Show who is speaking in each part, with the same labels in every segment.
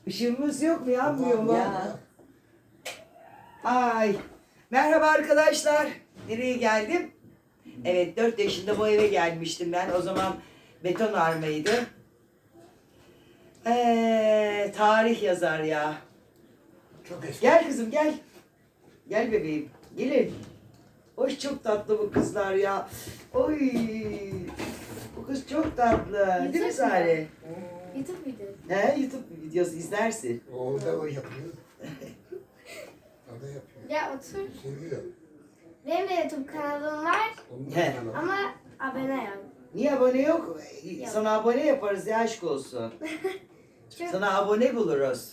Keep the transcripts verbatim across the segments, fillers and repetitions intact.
Speaker 1: Işığımız yok mu? Yanmıyor mu?
Speaker 2: Ya.
Speaker 1: Ay. Merhaba arkadaşlar. Nereye geldim? Evet, dört yaşında bu eve gelmiştim ben. O zaman beton armaydı. Ee, tarih yazar ya.
Speaker 2: Çok eski.
Speaker 1: Gel kızım gel. Gel bebeğim. Gelin. Hoş, çok tatlı bu kızlar ya. Oy. Bu kız çok tatlı. Değil mi Sare?
Speaker 3: YouTube videosu.
Speaker 1: He, YouTube videosu izlersin.
Speaker 2: O da o yapıyor. O da yapıyor.
Speaker 3: Ya otur.
Speaker 2: Seviyor.
Speaker 3: Benim de YouTube kanalım var
Speaker 2: Onun
Speaker 1: He.
Speaker 2: kanalı.
Speaker 3: ama abone yok.
Speaker 1: Niye abone yok? Sana abone yaparız ya, aşk olsun.
Speaker 3: Çok
Speaker 1: Sana abone buluruz.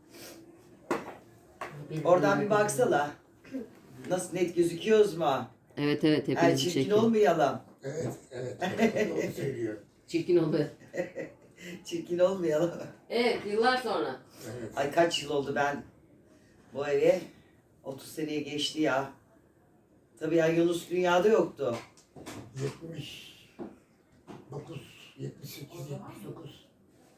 Speaker 1: Oradan bir baksana. Nasıl, net gözüküyoruz mu?
Speaker 4: Evet evet
Speaker 1: Yani
Speaker 4: hepinizi
Speaker 1: çirkin
Speaker 4: çekiyor.
Speaker 1: olmayalım.
Speaker 2: Evet, evet. evet. Doğru söylüyor.
Speaker 4: Çirkin oldu.
Speaker 1: Çirkin olmayalım.
Speaker 4: Evet yıllar sonra.
Speaker 2: Evet.
Speaker 1: Ay kaç yıl oldu ben bu eve? otuz seneye geçti ya. Tabii ya, Yunus dünyada yoktu.
Speaker 2: yetmiş dokuz, yetmiş sekiz, yetmiş dokuz.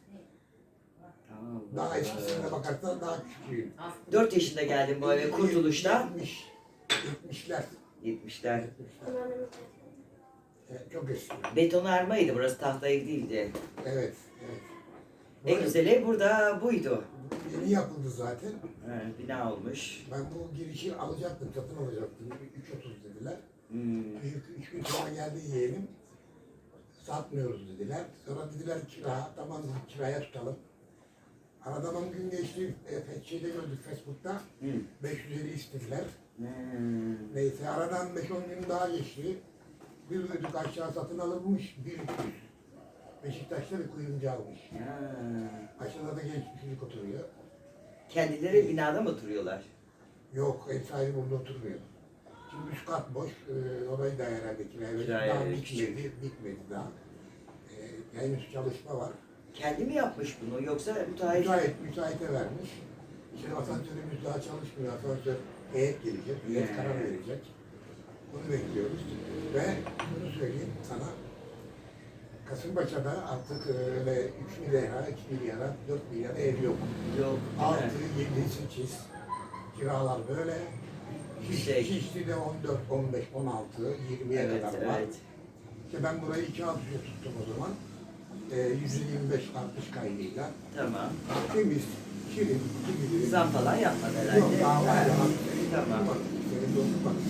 Speaker 2: Daha eskisine bakarsan daha küçüğüm.
Speaker 1: dört yaşında geldim bu eve Kurtuluş'ta.
Speaker 2: yetmiş, yetmişler.
Speaker 1: yetmişler.
Speaker 2: yetmişler. Evet, çok eski.
Speaker 1: Betonarmaydı burası, tahta ev değildi.
Speaker 2: Evet, evet.
Speaker 1: En güzel ev burada buydu.
Speaker 2: Yeni yapıldı zaten.
Speaker 1: He, bina olmuş.
Speaker 2: Ben bu girişi alacaktım, satın alacaktım. üç otuz dediler.
Speaker 1: Hmm.
Speaker 2: Üç, üç gün sonra geldi yeğenim. Satmıyoruz dediler. Sonra dediler kira, tamam dedik kiraya tutalım. Aradan on gün geçti, e, şeyde gördük Facebook'ta.
Speaker 1: Hmm.
Speaker 2: beş yüz elli istediler.
Speaker 1: Hmm.
Speaker 2: Neyse aradan beş on gün daha geçti. Bir ödük aşağı satın alınmış, bir üç yüz. Beşiktaş'ta bir kuyumcu almış.
Speaker 1: Ya.
Speaker 2: Aşağıda da genç bir çocuk oturuyor.
Speaker 1: Kendileri binada mı oturuyorlar?
Speaker 2: Yok, ev sahibi burada oturmuyor. Şimdi üst kat boş, e, orayı da herhalde kiraya verdik.
Speaker 1: Kiraya
Speaker 2: Daha
Speaker 1: verdik.
Speaker 2: bitmedi, bitmedi daha. E, henüz çalışma var.
Speaker 1: Kendi mi yapmış bunu yoksa müteahhit?
Speaker 2: Müteahhit, müteahhite vermiş. Şimdi asansörümüz daha çalışmıyor, asansör heyet gelecek, heyet
Speaker 1: Hmm.
Speaker 2: karar verecek. Bunu bekliyoruz. Ve bunu söyleyeyim sana, Kasımpaşa'da artık öyle üç milyara, iki milyara, dört milyara ev yok.
Speaker 1: Yok.
Speaker 2: altı, yedi, sekiz kiralar böyle. Şiş,
Speaker 1: Şey.
Speaker 2: Şişli'de on dört, on beş, on altı, yirmiye
Speaker 1: Evet,
Speaker 2: kadar var.
Speaker 1: evet.
Speaker 2: İşte ben burayı iki altı tuttum o zaman. E, yüz yirmi beş artış kaydıyla.
Speaker 1: Tamam.
Speaker 2: Temiz, şirin, gibi.
Speaker 1: Zam falan yapmadı herhalde.
Speaker 2: Yok, daha var ya.
Speaker 1: Tamam.
Speaker 2: Bak, senin dostun bak.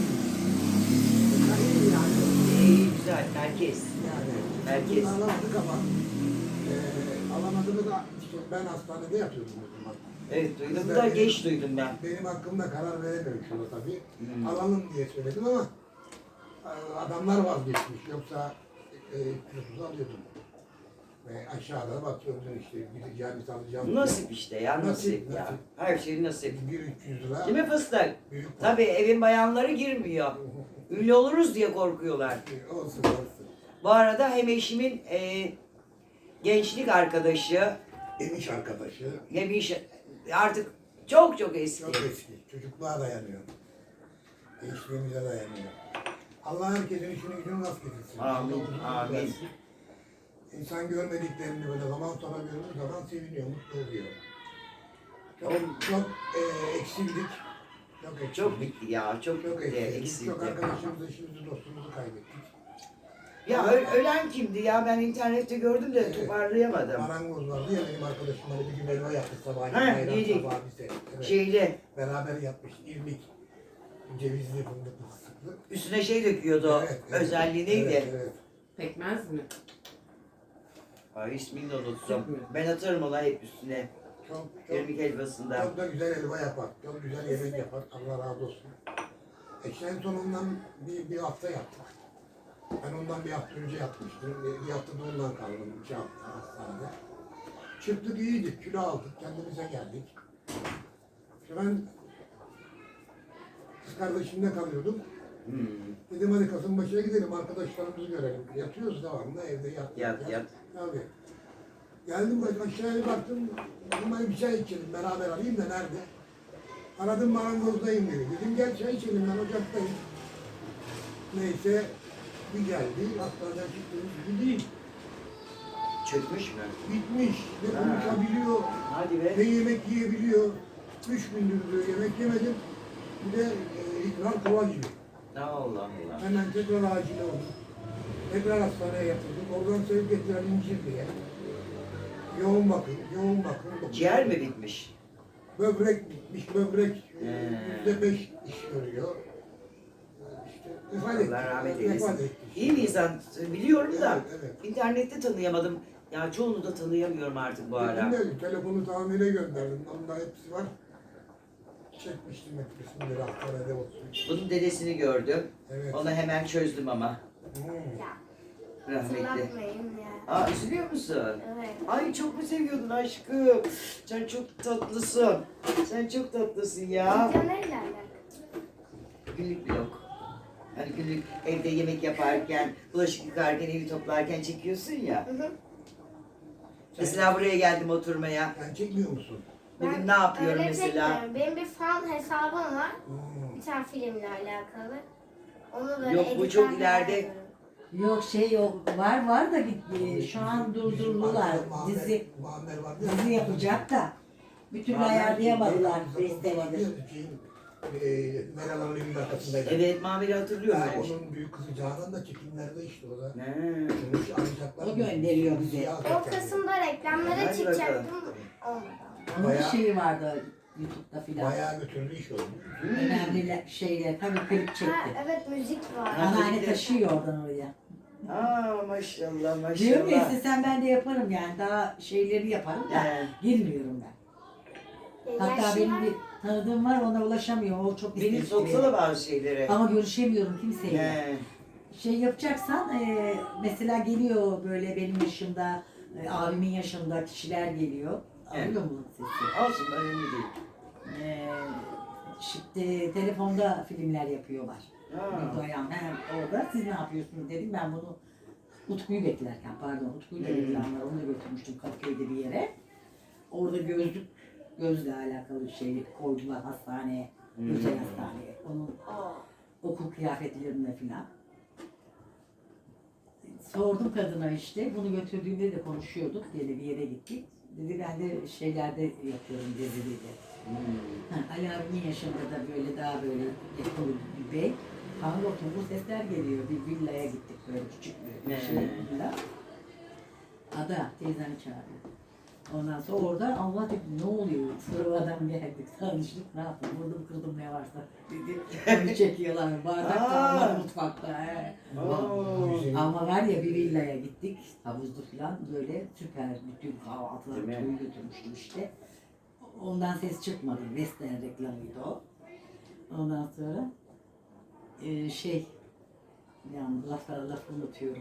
Speaker 1: İyi, güzel. Merkez.
Speaker 2: Yani,
Speaker 1: Merkez.
Speaker 2: bunu alamadık ama e, alamadığımı da işte ben hastanede yatıyordum o zaman.
Speaker 1: Evet, duydum
Speaker 2: Bizler
Speaker 1: da
Speaker 2: benim-
Speaker 1: geç duydum ben.
Speaker 2: Benim hakkımda karar veremiyorum şurada tabii.
Speaker 1: Hmm.
Speaker 2: Alalım diye söyledim ama e, adamlar vazgeçmiş. Yoksa e, kilosuzu alıyordum. Ve aşağıda bakıyordun işte gideceğim, alacağım.
Speaker 1: Nasip işte ya, nasip,
Speaker 2: Nasip,
Speaker 1: ya.
Speaker 2: nasip.
Speaker 1: Her şey nasip.
Speaker 2: Bir üç yüz lira.
Speaker 1: Değil mi fıstık?
Speaker 2: Büyük var.
Speaker 1: Tabii evin bayanları girmiyor. Ünlü oluruz diye korkuyorlar.
Speaker 2: Olsun olsun.
Speaker 1: Bu arada hem eşimin e, gençlik arkadaşı,
Speaker 2: Ev iş arkadaşı.
Speaker 1: hem iş artık çok çok eski.
Speaker 2: Çok eski. Çocukluğa dayanıyor. Gençliğimize dayanıyor. Allah herkesin işini gücünü rast getirsin.
Speaker 1: Amin,
Speaker 2: Allah uzun
Speaker 1: amin.
Speaker 2: versin. İnsan görmediklerini böyle zaman sonra gördüğü zaman seviniyor, mutlu oluyor. Çok, çok e, eksildik. Çok eksildik.
Speaker 1: Çok bitti ya, çok,
Speaker 2: Çok
Speaker 1: bitti,
Speaker 2: eksildik.
Speaker 1: eksildi.
Speaker 2: Çok arkadaşımızı, işimizi, dostumuzu kaybettik.
Speaker 1: Ya ö- ölen kimdi ya, ben internette gördüm de
Speaker 2: Evet.
Speaker 1: toparlayamadım.
Speaker 2: Marangoz vardı ya benim arkadaşım hani bir gün elma yaptı sabahleyin.
Speaker 1: Ha,
Speaker 2: bayram
Speaker 1: yedik.
Speaker 2: sabahı bize. Evet.
Speaker 1: Şeyde
Speaker 2: Beraber yapmış. İrmik. Cevizli fındıklı fıstıklı.
Speaker 1: üstüne şey döküyordu,
Speaker 2: Evet, evet.
Speaker 1: özelliği neydi?
Speaker 2: Evet, evet.
Speaker 4: Pekmez mi?
Speaker 1: Ay, ismini de unuttum.
Speaker 4: Süt mü?
Speaker 1: Ben atarım ona hep üstüne.
Speaker 2: Çok, çok,
Speaker 1: İrmik helvasında.
Speaker 2: çok da güzel elma yapar. Çok güzel yemek yapar. Allah razı olsun. E en son ondan bir, bir hafta yaptık. Ben ondan bir hafta önce yapmıştım. Bir, bir hafta da ondan kaldım. İki hafta hastanede. Çıktık iyiydik. Kilo aldık. Kendimize geldik. İşte ben kız kardeşimle kalıyordum.
Speaker 1: Hmm.
Speaker 2: Dedim hadi Kasımpaşa'ya gidelim. Arkadaşlarımızı görelim. Yatıyoruz devamlı. Evde yat.
Speaker 1: Yat, yat.
Speaker 2: Tabii. Geldim bak aşağıya baktım. Dedim hadi bir çay içelim. Beraber alayım da nerede? Aradım marangozdayım dedi. Dedim gel çay içelim ben ocaktayım. Neyse bir geldi. Hastaneden çıktığımız gibi değil.
Speaker 1: Çökmüş mü?
Speaker 2: Bitmiş. Ne
Speaker 1: Ha.
Speaker 2: konuşabiliyor,
Speaker 1: Hadi be.
Speaker 2: ne yemek yiyebiliyor. Üç gündür diyor yemek yemedim. Bir de e, ikram kova gibi.
Speaker 1: Allah Allah.
Speaker 2: Hemen tekrar acile oldu. Tekrar hastaneye yatırdık. Oradan sevk getiren incir diye. Yoğun bakım, yoğun bakım.
Speaker 1: Ciğer mi bitmiş?
Speaker 2: Böbrek bitmiş, böbrek
Speaker 1: He.
Speaker 2: yüzde beş iş görüyor. İşte vefat etti.
Speaker 1: Allah rahmet
Speaker 2: Vefat
Speaker 1: eylesin.
Speaker 2: etti.
Speaker 1: İyi bir insan biliyorum da
Speaker 2: Evet, evet.
Speaker 1: internette tanıyamadım. Ya çoğunu da tanıyamıyorum artık bu ara.
Speaker 2: Ben de telefonu tamire gönderdim. Onda hepsi var. Çekmiştim hep resimleri hastanede olsun.
Speaker 1: Bunun dedesini gördüm.
Speaker 2: Evet.
Speaker 1: Onu hemen çözdüm ama.
Speaker 2: Hmm.
Speaker 3: Ya
Speaker 1: Rahmetli.
Speaker 3: hatırlatmayın ya.
Speaker 1: Aa üzülüyor musun?
Speaker 3: Evet.
Speaker 1: Ay çok mu seviyordun aşkım? Sen çok tatlısın. Sen çok tatlısın ya.
Speaker 3: Video neyle alakalı?
Speaker 1: Günlük vlog. Hani günlük evde yemek yaparken, bulaşık yıkarken, evi toplarken çekiyorsun ya.
Speaker 3: Hı hı.
Speaker 1: Mesela buraya geldim oturmaya.
Speaker 2: Sen çekmiyor musun?
Speaker 1: Bugün
Speaker 3: Ben
Speaker 1: ne yapıyorum
Speaker 3: öyle
Speaker 1: mesela?
Speaker 3: çekmiyorum. Benim bir fan hesabım var.
Speaker 2: Hmm.
Speaker 3: Bir tane filmle alakalı. Onu böyle
Speaker 1: Yok, bu
Speaker 3: editler
Speaker 1: çok
Speaker 3: falan
Speaker 1: ileride.
Speaker 3: yapıyorum.
Speaker 5: Yok şey yok. Var var da gitti. Şu an durdurdular.
Speaker 2: Muammer-
Speaker 5: Dizi
Speaker 2: Muammer vardı ya.
Speaker 5: dizi yapacak da. Bir türlü
Speaker 1: Muammer
Speaker 5: ayarlayamadılar.
Speaker 2: Zaten
Speaker 5: Beş
Speaker 2: vardı ya,
Speaker 5: senedir.
Speaker 2: şeyin, e, Meral Hanım'ın evinin arkasındaydı.
Speaker 1: Evet, Mamir'i hatırlıyorum
Speaker 2: Ha,
Speaker 1: öyle bir şey.
Speaker 2: onun büyük kızı Canan da çekimlerde işte o da.
Speaker 1: Ne?
Speaker 2: Sonuç alacaklar.
Speaker 5: O gönderiyor bize.
Speaker 2: Siyah
Speaker 3: O
Speaker 2: alacaklar.
Speaker 3: kısımda reklamlara
Speaker 1: Hadi
Speaker 3: çıkacaktım. Olmadı.
Speaker 5: Onun bir
Speaker 2: Bayağı-
Speaker 5: şeyi vardı YouTube'da filan.
Speaker 2: Bayağı götürdü iş oldu.
Speaker 5: Önemli şeyler. Tabii klip
Speaker 3: Ha,
Speaker 5: çekti.
Speaker 3: evet müzik var.
Speaker 1: Ha.
Speaker 5: Anneanne taşıyor oradan oraya.
Speaker 1: Aa maşallah
Speaker 5: Diyorum ya
Speaker 1: maşallah.
Speaker 5: istesem ben de yaparım yani. Daha şeyleri yaparım da.
Speaker 1: He.
Speaker 5: Girmiyorum ben. Hatta
Speaker 3: Yaşlılar-
Speaker 5: benim bir tanıdığım var ona ulaşamıyorum. O çok
Speaker 1: Beni
Speaker 5: istekli.
Speaker 1: soksana bazı şeylere.
Speaker 5: Ama görüşemiyorum kimseyle.
Speaker 1: He.
Speaker 5: Şey yapacaksan e, mesela geliyor böyle benim yaşımda, e, abimin yaşında kişiler geliyor.
Speaker 1: Evet.
Speaker 5: Alıyor mu sesi?
Speaker 1: Olsun önemli değil.
Speaker 5: E, şimdi telefonda filmler yapıyorlar.
Speaker 1: Ha.
Speaker 5: Doyan hem orada siz ne yapıyorsunuz dedim ben bunu Utku'yu beklerken pardon Utku'yla
Speaker 1: Hmm.
Speaker 5: reklamlar onu da götürmüştüm Kadıköy'de bir yere. Orada gözlük gözle alakalı bir şey koydular hastaneye,
Speaker 1: Hmm.
Speaker 5: özel hastaneye. Onun
Speaker 3: Aa.
Speaker 5: okul kıyafetlerine filan. Sordum kadına işte, bunu götürdüğümde de konuşuyorduk, diye bir yere gittik. Dedi ben de şeylerde yapıyorum dedi dedi.
Speaker 1: Hmm.
Speaker 5: Ha, Ali abimin yaşında da böyle daha böyle yakın bir bey. Kanka oturdu sesler geliyor, bir villaya gittik böyle küçük bir
Speaker 1: Ne?
Speaker 5: şey villa. Ada teyzemi çağırıyor. Ondan sonra orada Allah dedi ne oluyor? Sonra adam geldik, tanıştık, ne yaptım, vurdum kırdım ne varsa dedi. Onu çekiyorlar, bardak
Speaker 1: Aa.
Speaker 5: kalmadı mutfakta. He.
Speaker 1: Oo.
Speaker 5: Ama var ya bir villaya gittik, havuzlu falan böyle süper, bütün kahvaltıları
Speaker 1: Değil mi?
Speaker 5: köyü götürmüştüm işte. Ondan ses çıkmadı, Western reklamıydı o. Ondan sonra e, şey, yani lafları lafı unutuyorum.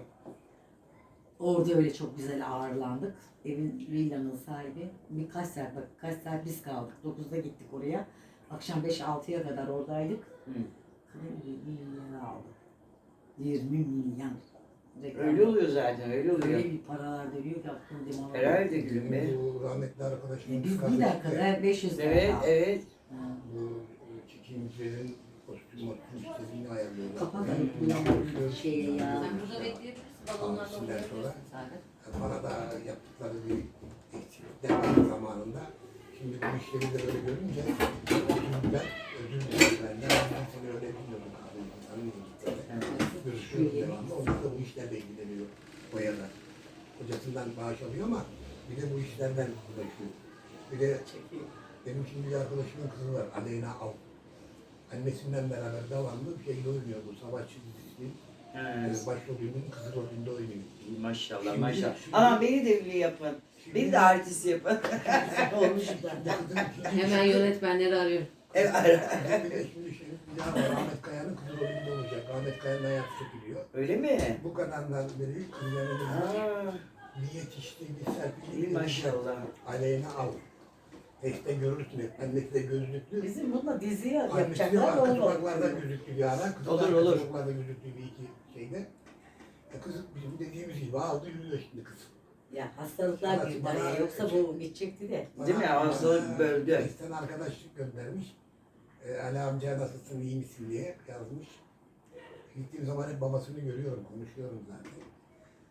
Speaker 5: Orada öyle çok güzel ağırlandık. Evin, villanın sahibi birkaç saat, bak kaç saat biz kaldık. dokuzda gittik oraya. Akşam beş altıya kadar oradaydık.
Speaker 1: Hı.
Speaker 5: yirmi milyon aldı. yirmi milyon. Reklam.
Speaker 1: Öyle oluyor zaten, öyle oluyor.
Speaker 5: Öyle bir paralar dönüyor ki aklım dimağım.
Speaker 1: Herhalde gülüm be.
Speaker 2: Bu rahmetli arkadaşım.
Speaker 5: E, biz bir dakikada beş yüz lira
Speaker 1: Evet,
Speaker 5: aldık.
Speaker 1: evet.
Speaker 5: Ha.
Speaker 2: Bu çekimcilerin kostüm kostüm istediğini ayarlıyorlar.
Speaker 5: Kapat
Speaker 2: Ben
Speaker 5: ayıp bulamadım şeye ya.
Speaker 4: Sen burada bekleyebilirsin. Balonlarla
Speaker 2: Almışlar
Speaker 4: oynayabilirsin
Speaker 2: sonra.
Speaker 4: sadece.
Speaker 2: Bana da yaptıkları bir eksiklikler var zamanında. Şimdi bu işleri de böyle görünce ben özür dilerim benden. Ben seni öyle bilmiyordum abi. Tanımıyorum. Görüşüyoruz devamlı. Onlar da bu işlerle ilgileniyor. Boyalar. Kocasından bağış alıyor ama bir de bu işlerden uğraşıyor. Bir de benim şimdi bir arkadaşımın kızı var. Aleyna Av. Annesinden beraber devamlı bir şeyle oynuyor bu savaşçı dizisi.
Speaker 1: Ha.
Speaker 2: Başrolünün kızı rolünde oynuyor.
Speaker 1: Maşallah
Speaker 2: Şimdi-
Speaker 1: maşallah.
Speaker 2: şimdi-
Speaker 1: Aa beni de ünlü yapın.
Speaker 2: Şimdi-
Speaker 1: Beni de artist yapın.
Speaker 5: Olmuş da.
Speaker 2: Kızın ikinci
Speaker 4: Hemen
Speaker 2: işi-
Speaker 4: yönetmenleri arıyorum.
Speaker 1: Evet.
Speaker 2: Bir de şimdi şey bir daha var. Ahmet Kaya'nın kızı rolünde olacak. Ahmet Kaya'nın hayatı çekiliyor.
Speaker 1: Öyle mi?
Speaker 2: Bu kadardan beri kızlarımız
Speaker 1: Aa,
Speaker 2: bir yetişti, bir serpildi.
Speaker 1: iyi maşallah.
Speaker 2: Aleyna Av. Teste görürsün hep. Annesi de gözlüklü.
Speaker 5: Bizim bununla dizi
Speaker 2: Annesi de
Speaker 5: yapacaklar
Speaker 2: arka
Speaker 5: onu
Speaker 2: sokaklarda gözlüklü bir ara. Kızı da
Speaker 1: Olur,
Speaker 2: arka
Speaker 1: olur.
Speaker 2: sokaklarda gözlüklü bir iki şeyde. E kız bizim dediğimiz gibi aldı yürüyor şimdi kız.
Speaker 5: Ya hastalıklar bir araya yoksa bu gidecekti de.
Speaker 1: Değil mi? Hastalık böldü.
Speaker 2: Testten arkadaşlık göndermiş. E, Ali amca nasılsın, iyi misin diye yazmış. Gittiğim zaman hep babasını görüyorum, konuşuyorum zaten.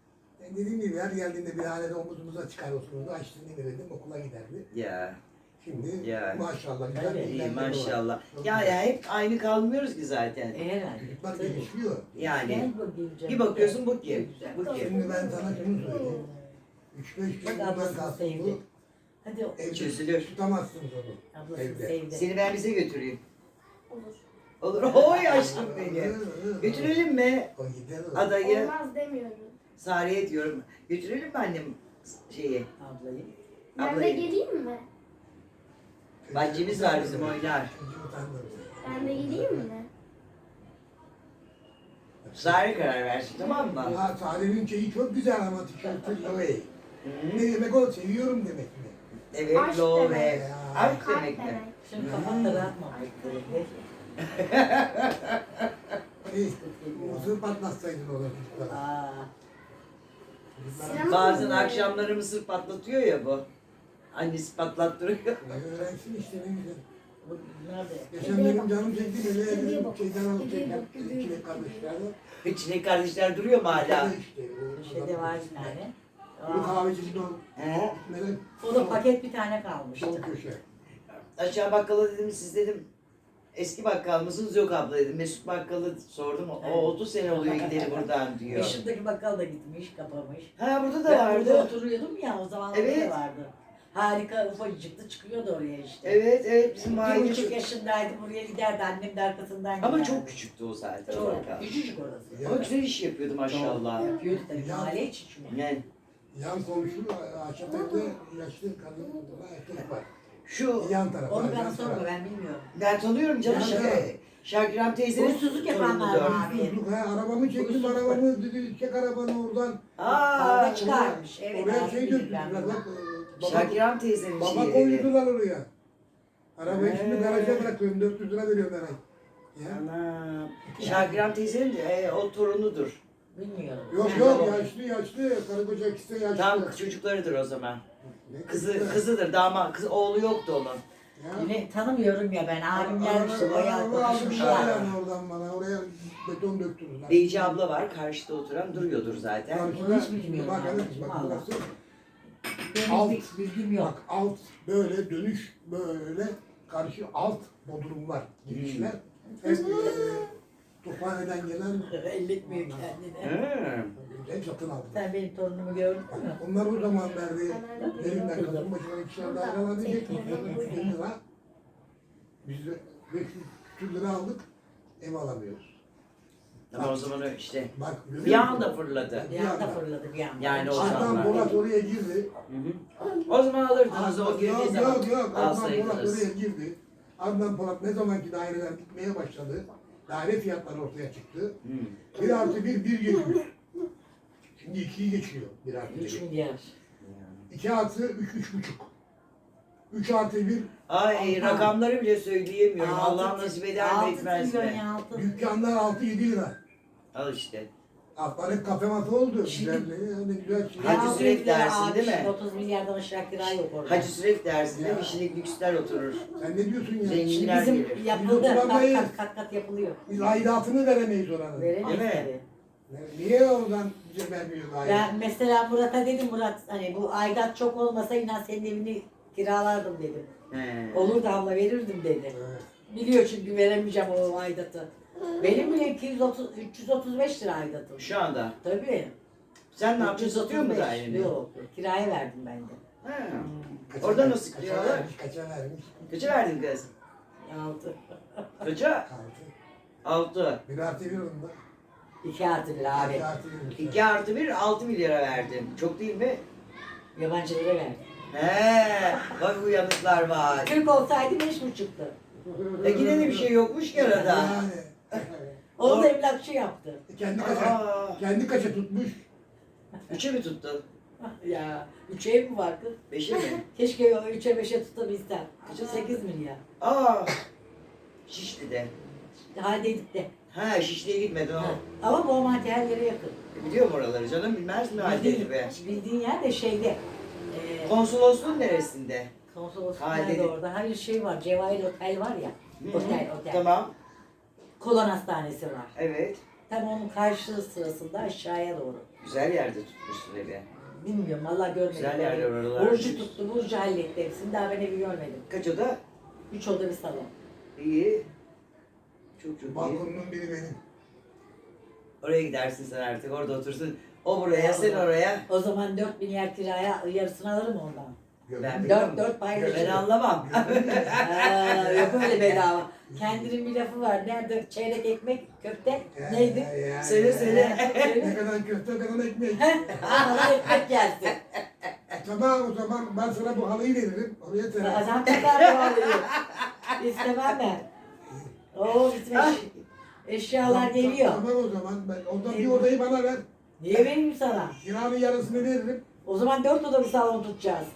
Speaker 2: E dediğim gibi her geldiğinde bir hanede omuzumuza çıkar otururdu. Açtığını verirdim okula giderdi.
Speaker 1: Ya.
Speaker 2: Şimdi
Speaker 1: Ya.
Speaker 2: maşallah güzel
Speaker 5: Evet,
Speaker 2: bir
Speaker 1: İyi
Speaker 2: ilerleme var.
Speaker 1: maşallah.
Speaker 2: Çok
Speaker 1: Ya
Speaker 2: güzel.
Speaker 1: ya hep aynı kalmıyoruz ki zaten.
Speaker 5: E, herhalde.
Speaker 2: Çocuklar
Speaker 5: Tabii.
Speaker 2: gelişiyor.
Speaker 1: Yani
Speaker 5: Gel bakayım canım.
Speaker 1: bir bakıyorsun bu kim?
Speaker 5: Güzel.
Speaker 1: Bu kim?
Speaker 2: Şimdi ben sana şunu söyleyeyim. üç beş gün
Speaker 5: Bak
Speaker 2: bundan
Speaker 5: ablasını
Speaker 2: kalsın
Speaker 5: sevdi.
Speaker 2: bu.
Speaker 5: Hadi o-
Speaker 2: Evde
Speaker 1: Çözülür.
Speaker 2: tutamazsınız onu.
Speaker 5: ablasını
Speaker 2: Evde.
Speaker 5: sevdi.
Speaker 1: Seni ben bize götüreyim.
Speaker 3: Olur.
Speaker 1: Olur. Oy aşkım benim. Götürelim mi
Speaker 2: O gider o.
Speaker 1: adayı?
Speaker 3: Olmaz demiyorum.
Speaker 1: Sare'ye diyorum. Götürelim mi annem şeyi?
Speaker 5: Ablayı.
Speaker 3: Ben de
Speaker 1: Ablayı.
Speaker 3: geleyim mi?
Speaker 1: Bahçemiz var bizim oynar.
Speaker 2: Çocuğu utandırır.
Speaker 3: Ben de geleyim mi?
Speaker 1: Sare karar versin tamam mı?
Speaker 2: Ha Sare'nin şeyi çok güzel ama tişörtü Loey.
Speaker 1: Hı.
Speaker 2: Ne demek o? Seviyorum demek mi?
Speaker 1: Evet,
Speaker 3: Aşk
Speaker 1: lo
Speaker 3: demek.
Speaker 1: ve aşk
Speaker 3: Kalp
Speaker 1: demek mi?
Speaker 3: demek.
Speaker 5: Şimdi kafan da rahat mı? Bekle.
Speaker 2: Hey, mısır patlatsaydın ona çocuklara.
Speaker 5: Aa.
Speaker 2: Çocuklara
Speaker 3: Sinema-
Speaker 1: Bazen akşamları mısır patlatıyor ya bu. Annesi patlattırıyor.
Speaker 2: öğrensin işte ne güzel.
Speaker 5: Bu nerede?
Speaker 2: Geçen benim canım çekti böyle
Speaker 3: Kedeye bak.
Speaker 2: şeyden alıp
Speaker 3: Kedeye bak,
Speaker 2: çektim.
Speaker 3: kedeye
Speaker 2: İçine
Speaker 3: bak.
Speaker 2: kardeşlerle.
Speaker 1: Çilek kardeşler duruyor mu hala?
Speaker 2: İşte, o-
Speaker 5: Şeyde var bir tane.
Speaker 2: Bu
Speaker 5: Aa.
Speaker 2: kahvecinin o
Speaker 1: He?
Speaker 2: melek
Speaker 5: O da paket bir tane kalmıştı.
Speaker 2: sol köşe.
Speaker 1: Aşağı bakkala dedim siz dedim eski bakkal mısınız? Yok abla dedim. Mesut bakkalı sordum. O
Speaker 5: Evet.
Speaker 1: otuz sene oluyor gideli buradan diyor.
Speaker 5: Işıktaki bakkal da gitmiş, kapamış.
Speaker 1: Ha burada da
Speaker 5: Ben burada
Speaker 1: vardı.
Speaker 5: oturuyordum ya, o zaman
Speaker 1: Evet.
Speaker 5: da vardı. Harika, ufacıktı, çıkıyordu oraya işte.
Speaker 1: Evet evet bizim
Speaker 5: Bir
Speaker 1: mahalle
Speaker 5: buçuk
Speaker 1: çok...
Speaker 5: yaşındaydı, buraya giderdi, annem de arkasından
Speaker 1: Ama
Speaker 5: giderdi.
Speaker 1: çok küçüktü o zaten. o
Speaker 5: Çok,
Speaker 1: bakkal.
Speaker 5: küçücük orası.
Speaker 1: Ama güzel iş yapıyordu maşallah.
Speaker 5: Yapıyordu tabii,
Speaker 2: Ya.
Speaker 5: mahalle içi çünkü.
Speaker 1: Yani
Speaker 2: Yan komşu ahşap evde yaşlı kadın erkek var.
Speaker 1: şu
Speaker 2: Yan tarafı.
Speaker 5: Onu
Speaker 2: yan
Speaker 5: bana sorma,
Speaker 2: tarafı.
Speaker 5: ben bilmiyorum.
Speaker 1: ben tanıyorum canım.
Speaker 2: Ya,
Speaker 1: Şak-
Speaker 2: ya.
Speaker 1: Şakirem teyzenin
Speaker 5: Huysuzluk yapanlar
Speaker 1: torunudur.
Speaker 5: var. Abi.
Speaker 2: Huysuzluk, ha, arabamı çektim
Speaker 5: Huysuzluk.
Speaker 2: arabamı dedi çek arabanı oradan.
Speaker 1: Aa,
Speaker 5: Kavga çıkarmış. Evet,
Speaker 2: Oraya
Speaker 5: abi,
Speaker 2: şey
Speaker 5: bildim
Speaker 2: döktürdüler
Speaker 5: ben.
Speaker 2: bak. e, Baba,
Speaker 1: Şakirem teyzenin
Speaker 2: baba
Speaker 1: şeyi. evi.
Speaker 2: koydular oraya. Arabayı şimdi
Speaker 1: He.
Speaker 2: garaja bırakıyorum dört yüz lira veriyorum her ay. Ya.
Speaker 1: Anam. Şakirem teyzenin e, o torunudur.
Speaker 5: Bilmiyorum.
Speaker 2: Yok
Speaker 5: Ben
Speaker 2: yok
Speaker 5: de-
Speaker 2: yaşlı yaşlı karı koca ikisi de yaşlı.
Speaker 1: Tam çocuklarıdır o zaman.
Speaker 2: Ne
Speaker 1: Kızı kızıdır. Dama kız oğlu yoktu onun.
Speaker 2: Ya.
Speaker 5: Yine tanımıyorum ya ben, abimler işte bayağı
Speaker 2: Araba almışlar
Speaker 5: konuşmuşlar.
Speaker 2: yani oradan bana oraya beton döktürdüler.
Speaker 1: Beyci abla var karşıda oturan duruyordur zaten.
Speaker 5: Onu hiç bilmiyorum
Speaker 2: Bak
Speaker 5: abi,
Speaker 2: evet bak
Speaker 5: vallahi.
Speaker 2: burası.
Speaker 5: Benim
Speaker 2: Alt.
Speaker 5: bir bilgim yok.
Speaker 2: Bak alt böyle dönüş böyle karşı alt bodrum var girişler.
Speaker 1: Hmm.
Speaker 2: Hep e, Tophane'den gelen
Speaker 5: Elletmiyor kendini.
Speaker 1: Hı.
Speaker 2: hep satın aldılar.
Speaker 5: Sen benim torunumu gördün mü?
Speaker 2: Onlar o zaman verdi. Elimden kadın başına ikişer daire alabilecek mi? üç bin lira. Biz de beş yüz küsür lira aldık. Ev alamıyoruz.
Speaker 1: Ama o zaman öyle işte
Speaker 2: Bak görüyor
Speaker 1: bir
Speaker 2: musun?
Speaker 1: anda fırladı.
Speaker 5: Bir anda fırladı bir anda.
Speaker 1: Yani o
Speaker 2: Adnan
Speaker 1: zamanlar.
Speaker 2: Polat oraya girdi.
Speaker 1: Hı hı. O zaman alırdınız o girdiği
Speaker 2: yok,
Speaker 1: zaman
Speaker 2: yok yok Adnan Polat
Speaker 1: alsaydınız.
Speaker 2: oraya girdi. Adnan Polat ne zamanki daireler gitmeye başladı. Daire fiyatları ortaya çıktı.
Speaker 1: Hı.
Speaker 2: Bir artı bir, bir geçiyor. Şimdi ikiyi geçiyor bir artı
Speaker 5: üç
Speaker 2: bir.
Speaker 5: milyar.
Speaker 2: İki artı üç, üç buçuk. Üç artı bir,
Speaker 1: Ay
Speaker 5: Aha.
Speaker 1: rakamları bile söyleyemiyorum.
Speaker 5: Altı-
Speaker 1: Allah nasip eder mi
Speaker 5: altı
Speaker 1: etmez
Speaker 5: trilyon
Speaker 1: mi?
Speaker 5: ya, altı.
Speaker 2: dükkanlar altı yedi lira.
Speaker 1: Al işte.
Speaker 2: Altlar hep kafe matı oldu.
Speaker 5: Şimdi-
Speaker 2: Güzel, yani güzel şey.
Speaker 1: Hacı
Speaker 5: altı
Speaker 1: Süreyya
Speaker 5: milyar
Speaker 1: dersin,
Speaker 5: abi,
Speaker 1: değil mi?
Speaker 5: şimdi otuz milyardan aşağı kira yok orada.
Speaker 1: Hacı Süreyya dersinde
Speaker 2: Ya.
Speaker 1: bir kişilik lüksler oturur.
Speaker 2: Sen ne diyorsun ya?
Speaker 1: Zengin.
Speaker 5: Şimdi
Speaker 1: Milyar
Speaker 5: bizim
Speaker 1: gelir.
Speaker 5: yapıldı,
Speaker 2: Biz
Speaker 5: kat
Speaker 2: oturamayız.
Speaker 5: kat kat kat yapılıyor.
Speaker 2: Biz aidatını veremeyiz oranın.
Speaker 5: Veremeyiz
Speaker 1: Değil mi?
Speaker 5: tabii.
Speaker 2: Niye oradan bize vermiyor aidat?
Speaker 5: Ben mesela Murat'a dedim, Murat hani bu aidat çok olmasa inan senin evini kiralardım dedim.
Speaker 1: He.
Speaker 5: Olur da abla verirdim dedi.
Speaker 2: Evet.
Speaker 5: Biliyor çünkü veremeyeceğim o aidatı. Benim bile iki yüz otuz, üç yüz otuz beş lira aidatım.
Speaker 1: Şu anda.
Speaker 5: Tabii.
Speaker 1: Sen ne yapıyorsun? Satıyor mu
Speaker 5: üç yüz otuz beş.
Speaker 1: daireni?
Speaker 5: Yok, kiraya verdim ben de.
Speaker 1: He.
Speaker 2: Kaça
Speaker 1: Orada
Speaker 2: ver-
Speaker 1: nasıl
Speaker 2: kaça
Speaker 1: kırıyorlar?
Speaker 2: vermiş, Kaça vermiş?
Speaker 1: Kaça verdin kız?
Speaker 5: Altı.
Speaker 1: Kaça?
Speaker 2: Altı.
Speaker 1: Altı.
Speaker 2: Bir artı bir onda.
Speaker 5: İki artı bir abi.
Speaker 2: İki artı bir.
Speaker 1: İki artı bir, altı milyara verdin. Çok değil mi?
Speaker 5: Yabancılara verdim.
Speaker 1: He. Bak uyanıklar var.
Speaker 5: Türk olsaydı beş buçuktu.
Speaker 1: E yine de bir şey yokmuş ki arada.
Speaker 2: Yani.
Speaker 5: Onu da emlakçı yaptı.
Speaker 2: Kendi kaça,
Speaker 1: Aa.
Speaker 2: kendi kaça tutmuş.
Speaker 1: Üçe mi tuttun?
Speaker 5: Ya üç ev mi var kız?
Speaker 1: Beşe mi?
Speaker 5: Keşke o üçe beşe tutabilsem.
Speaker 1: Kaça?
Speaker 5: Sekiz milyar.
Speaker 1: Aa. Şişli'de.
Speaker 5: Haldedik de.
Speaker 1: Ha Şişli'ye gitmedin
Speaker 5: Ha.
Speaker 1: o.
Speaker 5: Ama Boğmati her yere yakın.
Speaker 1: Biliyorum oraları canım bilmez mi halde be?
Speaker 5: bildiğin yer de şeyde. E,
Speaker 1: Konsolosluğun neresinde?
Speaker 5: Konsolosluk
Speaker 1: Haldedik.
Speaker 5: nerede orada? Hayır şey var. Cevahir Otel var ya.
Speaker 1: Hı hı.
Speaker 5: Otel, otel.
Speaker 1: Tamam.
Speaker 5: Kolon hastanesi var.
Speaker 1: Evet.
Speaker 5: Tam onun karşı sırasında aşağıya doğru.
Speaker 1: Güzel yerde tutmuşsun evi.
Speaker 5: Bilmiyorum valla görmedim.
Speaker 1: Güzel yerler oralar.
Speaker 5: Burcu tuttu, Burcu halletti hepsini. Daha ben evi görmedim.
Speaker 1: Kaç oda?
Speaker 5: Üç oda bir salon.
Speaker 1: İyi. Çok çok iyi.
Speaker 2: Balkonunun biri benim.
Speaker 1: Oraya gidersin sen artık, orada otursun. O buraya, sen oraya.
Speaker 5: O zaman dört bin yer kiraya yarısını alırım ondan.
Speaker 1: Ben
Speaker 5: Dört dört paylaşırım.
Speaker 1: Ben anlamam.
Speaker 5: Aa, yok öyle bedava. Kendinin bir lafı var. Nerede çeyrek ekmek, köfte neydi?
Speaker 1: Söyle, söyle.
Speaker 2: Ne kadar köfte, ne kadar ekmek.
Speaker 5: Bana ekmek gelsin.
Speaker 2: Tamam o zaman ben sana bu halıyı veririm. Oraya terer.
Speaker 5: Adam kadar bağlıyor. İstemem ben. Oo bizim eş- eşyalar geliyor.
Speaker 2: Tamam o zaman ben ondan bir odayı bana ver.
Speaker 5: Niye vereyim sana?
Speaker 2: Kiranın yarısını veririm.
Speaker 5: O zaman dört oda bir salon tutacağız.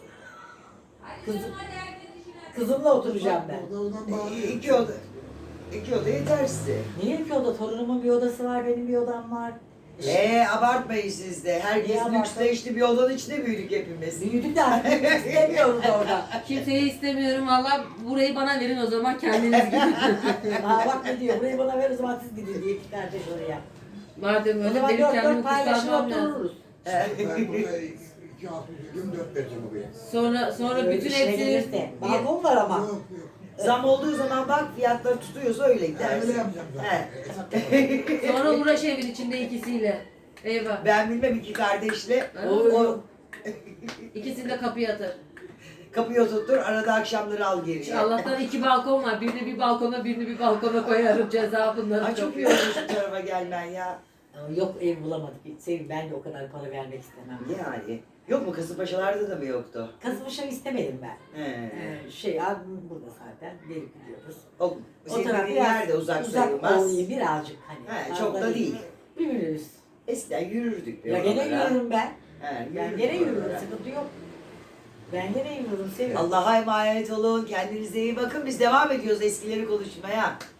Speaker 5: Kızım, kızımla oturacağım ben.
Speaker 2: Oda odan bağlıyor.
Speaker 1: İki oda. İki oda yeter size.
Speaker 5: Niye ki oda? Torunumun bir odası var, benim bir odam var.
Speaker 1: Eee abartmayın siz de. Herkes
Speaker 5: Niye
Speaker 1: lüksle
Speaker 5: abartın?
Speaker 1: işte bir odanın içinde büyüdük hepimiz.
Speaker 5: Büyüdük de artık istemiyoruz orada.
Speaker 4: Kimseyi istemiyorum valla burayı bana verin o zaman kendiniz gidin.
Speaker 5: Ha bak ne diyor, burayı bana ver o zaman siz gidin diye iki kardeş oraya.
Speaker 4: Madem
Speaker 5: O
Speaker 4: öyle
Speaker 5: zaman
Speaker 4: benim
Speaker 5: dört
Speaker 4: kendimi
Speaker 5: dört paylaşır
Speaker 4: kurtarmam lazım.
Speaker 5: otururuz.
Speaker 2: Ben burada iki altı yüz dört vereceğim oraya.
Speaker 4: Sonra sonra
Speaker 5: Öyle
Speaker 4: bütün
Speaker 5: işine
Speaker 4: hepsini
Speaker 5: gelirse. Balkon var ama.
Speaker 2: Yok yok.
Speaker 1: Zam olduğu zaman bak fiyatları tutuyorsa öyle
Speaker 2: Ben öyle
Speaker 1: gidersin.
Speaker 2: yapacağım zaten.
Speaker 1: He.
Speaker 2: Hesap yapacağım.
Speaker 4: sonra uğraş evin içinde ikisiyle. Eyvah.
Speaker 1: Ben bilmem iki kardeşle
Speaker 4: Ha?
Speaker 1: o
Speaker 4: İkisini de kapıya atar.
Speaker 1: kapıyı oturtur, arada akşamları al geriye.
Speaker 4: Allah'tan iki balkon var. Birini bir balkona, birini bir balkona koyarım ceza bunları.
Speaker 1: Ay çok iyi olmuş bu tarafa gelmen ya.
Speaker 5: Ama yok ev bulamadık. Sevim ben de o kadar para vermek istemem.
Speaker 1: Yani. Yok mu Kasımpaşalarda da mı yoktu?
Speaker 5: Kasımpaşa'yı istemedim ben.
Speaker 1: He.
Speaker 5: Ee, şey abim burada zaten. Gelip gidiyoruz.
Speaker 1: O,
Speaker 5: O
Speaker 1: senin
Speaker 5: taraf
Speaker 1: dediğin
Speaker 5: biraz
Speaker 1: yer de uzak,
Speaker 5: uzak
Speaker 1: sayılmaz.
Speaker 5: oluyor birazcık hani.
Speaker 1: He,
Speaker 5: fazla
Speaker 1: çok da değil.
Speaker 5: Bir minibüs.
Speaker 1: Eskiden yürürdük. be
Speaker 5: Ya gene
Speaker 1: oralara.
Speaker 5: yürürüm ben.
Speaker 1: He,
Speaker 5: Ben
Speaker 1: yürürdük
Speaker 5: gene yürürüm.
Speaker 1: oralara.
Speaker 5: Sıkıntı yok. Ben gene yürürüm. Seviyorum.
Speaker 1: Allah'a emanet olun. Kendinize iyi bakın. Biz devam ediyoruz eskileri konuşmaya.